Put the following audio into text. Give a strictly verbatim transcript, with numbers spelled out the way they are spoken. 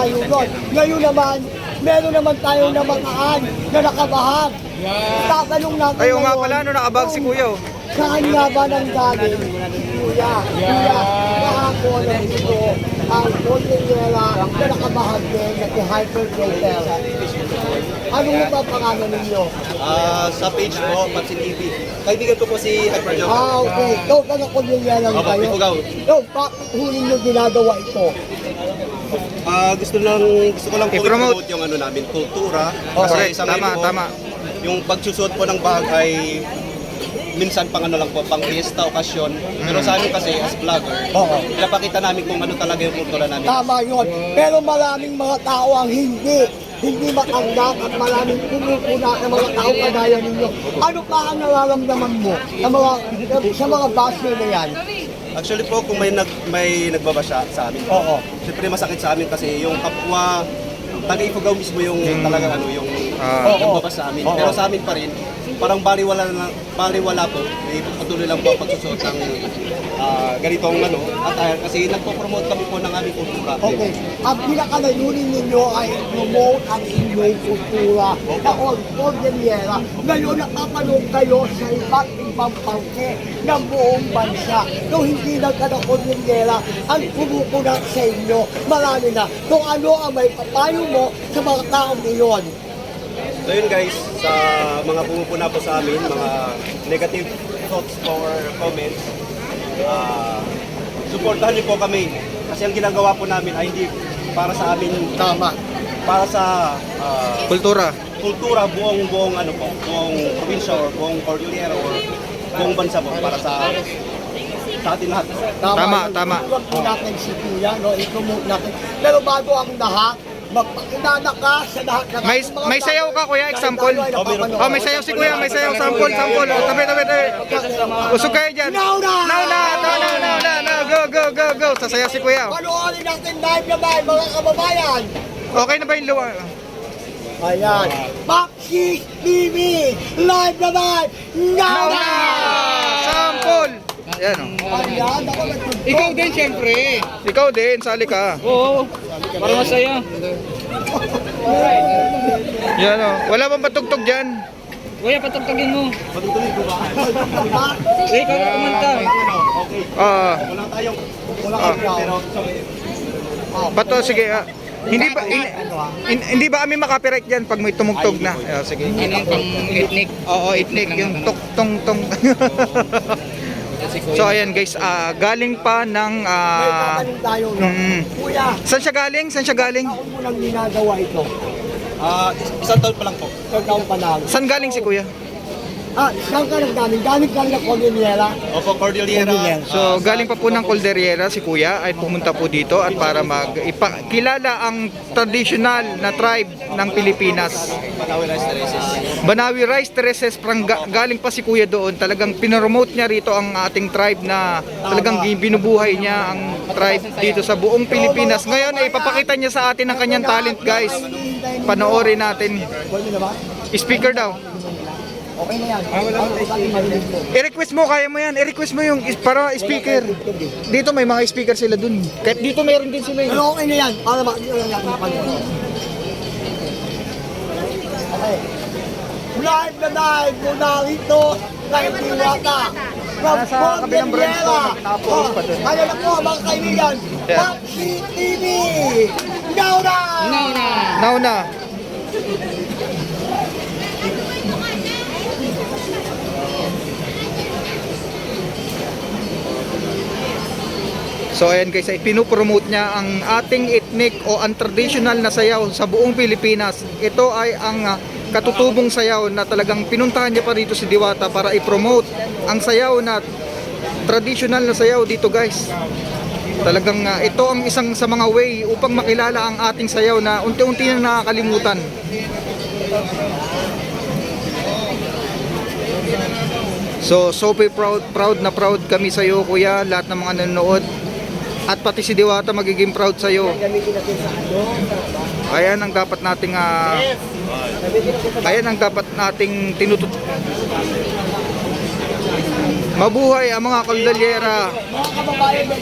tayo doon. Ngayon naman, meron naman tayo na makaan na nakabahag. Tatanong natin Ayaw nga ngayon, pala, no, nakabag si Kuya. Oh. saan nga ba nang galing? Kuya, kuya, kahapon ang ito ang Cordillera na nakabahag din na hypergrater. Ano mo ba pangalan ninyo? Ah, sa page po, Pansin T V. Kaibigan ko po si Hyperjump. Ah, okay. Ikaw ka na Cordillera Opo, kayo. Ipugaw. Ikaw, bakit huli nyo ginagawa ito? Ah, gusto lang gusto ko lang po I-promote. i-promote yung ano namin, kultura. Oh, Kasi correct. sa Tama, ngayon po, tama. yung pagsusuot po ng bag ay minsan pang ano lang po, pang fiesta, okasyon. Pero sa amin kasi, as vlogger, Oo. pinapakita namin kung ano talaga yung kultura namin. Tama yun. Pero maraming mga tao ang hindi hindi matanggap at maraming pumupuna ng mga tao kagaya ninyo. Ano pa ang nararamdaman mo sa mga, sa mga basher na yan? Actually po, kung may nag may nagbabasya sa amin, Oo. siyempre masakit sa amin kasi yung kapwa taga-Ipugaw mismo yung talagang ano, yung Ah. nagbabasa sa amin. Oo. Pero sa amin pa rin, parang baliwala na baliwala po, may patuloy lang po ang pagsusuot ng ah, ganitong ano, attire kasi nagpo-promote kami po ng aming kultura. Okay. Ang pinakalayunin ninyo ay promote ang inyong kultura na Cordillera. Ngayon nakapanood kayo sa iba't ibang parte ng buong bansa. Kung hindi lang ka ng Cordillera, ang kumukulat sa inyo, marami na. Kung ano ang may papayo mo sa mga taong iyon. So yun guys, sa mga pumupuna po sa amin, mga negative thoughts or comments, ah, supportahan niyo po kami. Kasi ang ginagawa po namin ay hindi para sa amin, Tama. para sa ah, Kultura. kultura buong buong ano po, buong probinsya or buong Cordillera or buong bansa po para sa sa atin lahat. Tama, yun. tama. Huwag po natin si Kuya, no? I-promote natin. Pero bago ang lahat, magpakilala ka sa lahat ng May- mga may sayaw ka, Kuya, dahil example? tayo ay napapanood. Oh, may sayaw si Kuya, may sayaw. Sample, sample. Oh, tabi, tabi, tabi. Usog kayo dyan. Now na! Now na! Now na! Now na! Now, go, go, go, go. Sasayaw si Kuya. Panoorin natin live na live, mga kababayan. Okay na ba yung luwa? Ayan. Maxis T V, live na live, now Now na! na! Sample! Ayan o. Ayan, ako nagtugtog. Ikaw din, syempre. Ikaw din, sali ka. Oo. Para masaya. Yan o. Wala bang patugtog dyan? Kuya, patugtugin mo. Patutuloy ko ba? Eh, ikaw na kumanta. Okay. Ah, Wala tayong Wala Ah. ka pero bato, sige. ah. Hindi ba hin- hin- hindi ba kami makapiright diyan pag may tumugtog na? Ah, sige. Ano yung pang ethnic? Oo, itnik yung tok tong tong. So ayan guys, ah, galing pa ng may ah, tatanong tayo, no? mm. Kuya, Saan siya galing? Saan siya galing? taon mo nang ginagawa ito? ah, isang taon pa lang po. Isang taon pa lang. Saan galing si Kuya? Ah, saan ka nagdaling? Galing ka na Cordillera? Opo, Cordillera. Cordillera. So galing pa po ng Calderiera si Kuya ay pumunta po dito at para magpakilala ang traditional na tribe ng Pilipinas. Panawi Rice Terraces. Banawi Rice Terraces, prang ga- galing pa si Kuya doon. Talagang pinromote niya rito ang ating tribe na talagang binubuhay niya ang tribe dito sa buong Pilipinas. Ngayon ay ipapakita niya sa atin ang kanyang talent, guys. Panoorin natin. Pwede na ba? Speaker daw. Okay na yan. Ah, wala na. I-request mo, kaya mo yan. I-request mo yung is- para speaker. Dito may mga speaker sila dun. Kahit dito mayroon din sila. eh. Pero okay na yan. Para makikita lang natin panood. Okay. Live na live mula rito kay Diwata. From Nasa kabilang branch to, Cordillera. nakapos pa dun. Oh, ano na po mga kaibigan? Yeah. Maxi T V! Now na! No, na. Now na. So ayan guys, ay pinupromote niya ang ating ethnic o ang traditional na sayaw sa buong Pilipinas. Ito ay ang ah, katutubong sayaw na talagang pinuntahan niya pa dito si Diwata para i-promote ang sayaw na traditional na sayaw dito guys. Talagang ah, ito ang isang sa mga way upang makilala ang ating sayaw na unti-unti na nakakalimutan. So, so proud, proud na proud kami sa iyo, Kuya, lahat ng mga nanonood. At pati si Diwata magiging proud sa iyo. Gamitin natin sa ano? Ayan ang dapat nating ah, ayan ang dapat nating tinutut. Mabuhay ang mga Calderiera. Mga kababayan,